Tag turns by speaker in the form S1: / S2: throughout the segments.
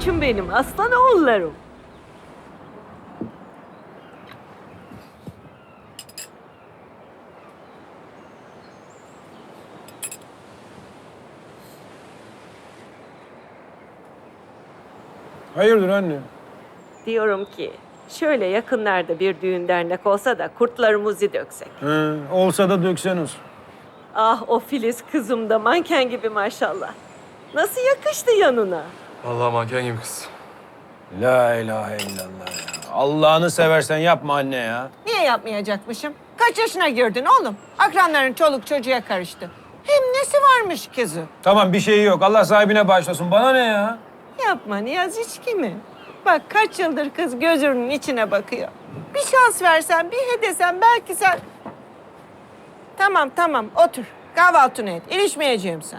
S1: koçum benim, aslan oğullarım.
S2: Hayırdır anne?
S1: Diyorum ki, şöyle yakınlarda bir düğün dernek olsa da kurtlarımızı döksek.
S2: He, olsa da döksen olsun.
S1: Ah o Filiz kızım da manken gibi maşallah. Nasıl yakıştı yanına?
S3: Vallahi manken gibi kız.
S2: La ilahe illallah ya. Allah'ını seversen yapma anne ya.
S4: Niye yapmayacakmışım? Kaç yaşına girdin oğlum? Akranların çoluk çocuğa karıştı. Hem nesi varmış kızı?
S2: Tamam bir şey yok. Allah sahibine bağışlasın. Bana ne ya?
S4: Yapma Niyaz hiç kimi? Bak kaç yıldır kız gözünün içine bakıyor. Bir şans versen, bir hedesen belki sen... Tamam otur. Kahvaltını et. İlişmeyeceğim sen.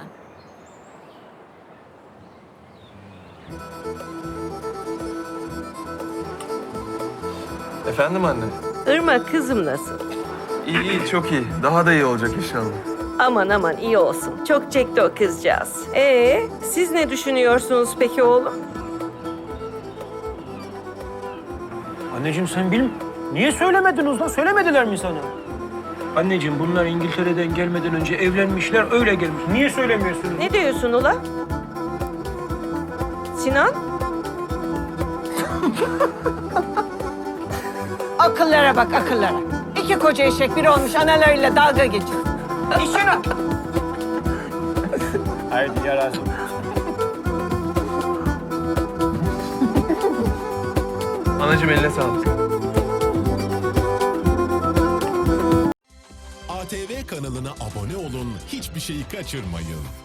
S3: Efendim anne?
S1: Irmak kızım nasıl?
S3: İyi iyi çok iyi. Daha da iyi olacak inşallah.
S1: Aman iyi olsun. Çok çekti o kızcağız. Siz ne düşünüyorsunuz peki oğlum?
S2: Anneciğim sen niye söylemedin Uzlan? Söylemediler mi sana? Anneciğim bunlar İngiltere'den gelmeden önce evlenmişler, öyle gelmiş. Niye söylemiyorsunuz?
S1: Ne diyorsun ula? Sinan?
S4: Akıllara bak akıllara. İki koca eşek biri olmuş analarıyla dalga geçiyor. İşine.
S2: Haydi yarasın.
S3: Anacığım eline sağlık.
S5: ATV kanalına abone olun, hiçbir şeyi kaçırmayın.